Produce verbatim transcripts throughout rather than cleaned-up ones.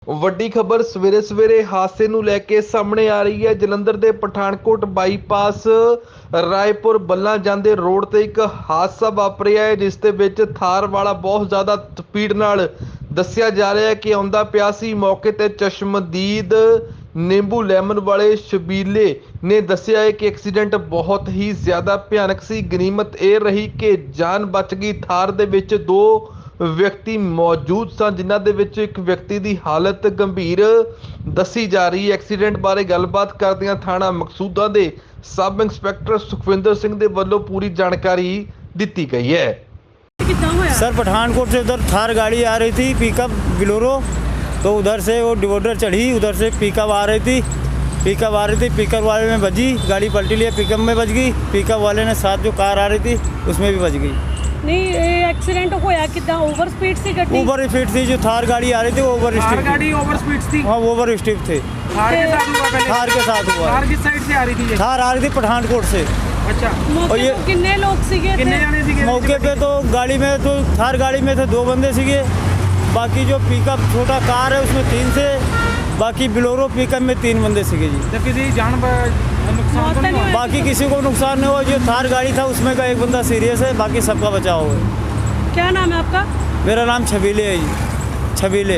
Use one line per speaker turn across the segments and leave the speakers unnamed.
ਵੱਡੀ ਖਬਰ ਸਵੇਰੇ ਸਵੇਰੇ ਹਾਦਸੇ ਨੂੰ ਲੈ ਕੇ ਸਾਹਮਣੇ ਆ ਰਹੀ ਹੈ। ਜਲੰਧਰ ਦੇ ਪਠਾਨਕੋਟ ਬਾਈਪਾਸ ਰਾਏਪੁਰ ਬੱਲਾ ਜਾਂਦੇ ਰੋਡ ਤੇ ਇੱਕ ਹਾਦਸਾ ਵਾਪਰਿਆ ਹੈ, ਜਿਸ ਦੇ ਵਿੱਚ ਥਾਰ ਵਾਲਾ ਬਹੁਤ ਜ਼ਿਆਦਾ ਸਪੀਡ ਨਾਲ ਦੱਸਿਆ ਜਾ ਰਿਹਾ ਹੈ ਕਿ ਆਉਂਦਾ ਪਿਆ ਸੀ। ਮੌਕੇ ਤੇ ਚਸ਼ਮਦੀਦ ਨਿੰਬੂ ਲੈਮਨ ਵਾਲੇ ਸ਼ਬੀਲੇ ਨੇ ਦੱਸਿਆ ਹੈ ਕਿ ਐਕਸੀਡੈਂਟ ਬਹੁਤ ਹੀ ਜ਼ਿਆਦਾ ਭਿਆਨਕ ਸੀ। ਗਨੀਮਤ ਇਹ ਰਹੀ ਕਿ ਜਾਨ ਬਚ ਗਈ। ਥਾਰ ਦੇ ਵਿੱਚ ਦੋ ਵਿਅਕਤੀ ਮੌਜੂਦ ਸਨ, ਜਿਨ੍ਹਾਂ ਦੇ ਵਿੱਚ ਇੱਕ ਵਿਅਕਤੀ ਦੀ ਹਾਲਤ ਗੰਭੀਰ ਦੱਸੀ ਜਾ ਰਹੀ ਹੈ। ਐਕਸੀਡੈਂਟ ਬਾਰੇ ਗੱਲਬਾਤ ਕਰਦਿਆਂ ਥਾਣਾ ਮਕਸੂਦਾਂ ਦੇ ਸਬ ਇੰਸਪੈਕਟਰ ਸੁਖਵਿੰਦਰ ਸਿੰਘ ਦੇ ਵੱਲੋਂ पूरी जानकारी दी गई है।
सर पठानकोट से उधर थार गाड़ी आ रही थी, पिकअप बिलोरो, तो उधर से वो डिवोडर चढ़ी, उधर से पिकअप आ रही थी पिकअप आ रही थी पिकअप वाले में बजी, गाड़ी पलटी लिया, पिकअप में बज गई। पिकअप वाले ने साथ जो कार आ रही थी उसमें भी बज गई।
नहीं एक्सीडेंट होया कितना ओवर स्पीड से गड्डी
ओवर स्पीड थी, जो थार गाड़ी आ रही थी वो ओवर स्पीड
गाड़ी ओवर स्पीड थी।
हाँ ओवर स्पीड थे।
थार के साथ हुआ पहले
थार के साथ हुआ।
थार किस साइड से आ रही थी ये?
थार आ रही थी पठानकोट से।
अच्छा,
मौके
और ये
पे कितने लोग सीगे
कितने जाने सीगे?
मौके पे तो गाड़ी में तो थार गाड़ी में थे दो बंदे सीगे, बाकी जो पिकअप छोटा कार है उसमें तीन से, बाकी बिलोरो पिकअप में तीन बंदे सीगे जी।
जब किसी जान पर नुकसान तो नहीं हुआ?
बाकी किसी को नुकसान नहीं हुआ। जो थार गाड़ी था उसमें का एक बंदा सीरियस है, बाकी सबका बचाव है।
क्या नाम है आपका?
मेरा नाम छबीले है जी, छबीले।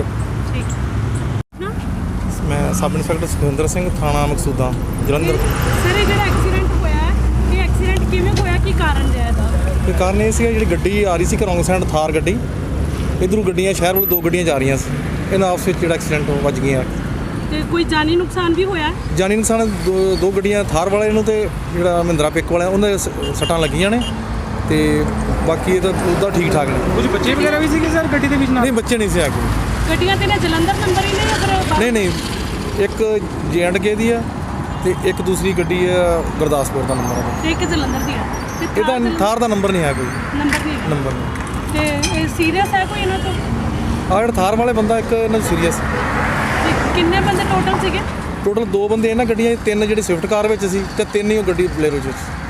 मैं सब इंस्पैक्टर सुखविंदर सिंह, थाना मकसूदा, जलंधर।
सर ये ਜਿਹੜਾ ਐਕਸੀਡੈਂਟ ਹੋਇਆ ਹੈ, ਇਹ ਐਕਸੀਡੈਂਟ ਕਿਵੇਂ ਹੋਇਆ, ਕੀ ਕਾਰਨ ਰਿਹਾ ਇਹਦਾ?
ਇਹ ਕਾਰਨ ਇਹ ਸੀ ਜਿਹੜੀ ਗੱਡੀ ਆ ਰਹੀ ਸੀ ਰੌਂਗ ਸਾਈਡ, ਥਾਰ ਗੱਡੀ ਇਧਰੋਂ ਗੱਡੀਆਂ ਸ਼ਹਿਰ ਵੱਲ ਦੋ ਗੱਡੀਆਂ ਜਾ ਰਹੀਆਂ ਸੀ, ਇਹਨਾਂ ਆਪਸ ਵਿੱਚ ਜਿਹੜਾ ਐਕਸੀਡੈਂਟ ਹੋ ਵੱਜ ਗਈਆਂ।
ਤੇ ਕੋਈ ਜਾਨੀ ਨੁਕਸਾਨ ਵੀ ਹੋਇਆ ਹੈ?
ਜਾਨੀ ਨੁਕਸਾਨ ਦੋ ਦੋ ਗੱਡੀਆਂ, ਥਾਰ ਵਾਲੇ ਨੂੰ ਤੇ ਜਿਹੜਾ ਮਹਿੰਦਰਾ ਪਿਕ ਵਾਲਾ ਉਹਨਾਂ ਦੇ ਸ- ਸੱਟਾਂ ਲੱਗੀਆਂ ਨੇ, ਤੇ ਬਾਕੀ ਇਹ ਤਾਂ ਉਹਦਾ ਠੀਕ ਠਾਕ ਨੇ।
कुछ बच्चे वगैरह भी सीगे सर ਗੱਡੀ ਦੇ ਵਿੱਚ ਨਾਲ?
ਨਹੀਂ ਬੱਚੇ ਨਹੀਂ ਸੀ ਆ ਕੇ।
ਗੱਡੀਆਂ ਤੇ ਨੇ ਜਲੰਧਰ ਨੰਬਰ ਹੀ ਨੇ ਜਾਂ ਫਿਰ ਬਾਹਰ?
ਨਹੀਂ ਨਹੀਂ ਇੱਕ ਜੇ ਐਂਡ ਕੇ ਦੀ ਆ ਤੇ ਇੱਕ ਦੂਸਰੀ ਗੱਡੀ ਆ ਗੁਰਦਾਸਪੁਰ ਦਾ ਨੰਬਰ ਆ।
ਤੇ ਇੱਕ ਜਲੰਧਰ ਦੀ ਹੈ ਤੇ
ਇਹਦਾ
ਥਾਰ ਦਾ
ਥਾਰ ਦਾ ਨੰਬਰ ਨਹੀਂ ਹੈ ਕੋਈ,
ਨੰਬਰ ਨਹੀਂ ਹੈ।
ਨੰਬਰ ਨਹੀਂ।
ਤੇ ਇਹ ਸੀਰੀਅਸ ਹੈ ਕੋਈ ਇਹਨਾਂ ਤੋਂ?
ਆ ਜਿਹੜਾ ਥਾਰ ਵਾਲੇ ਬੰਦਾ ਇੱਕ ਇਹਨਾਂ ਸੀਰੀਅਸ।
ਤੇ ਕਿੰਨੇ ਬੰਦੇ ਟੋਟਲ ਸੀਗੇ?
ਟੋਟਲ ਦੋ ਬੰਦੇ ਇਹਨਾਂ ਗੱਡੀਆਂ 'ਚ, ਤਿੰਨ ਜਿਹੜੇ ਸਵਿਫਟ ਕਾਰ ਵਿੱਚ ਸੀ ਤੇ ਤਿੰਨ ਹੀ ਉਹ ਗੱਡੀ ਬਲੇਰੋ 'ਚ ਸੀ।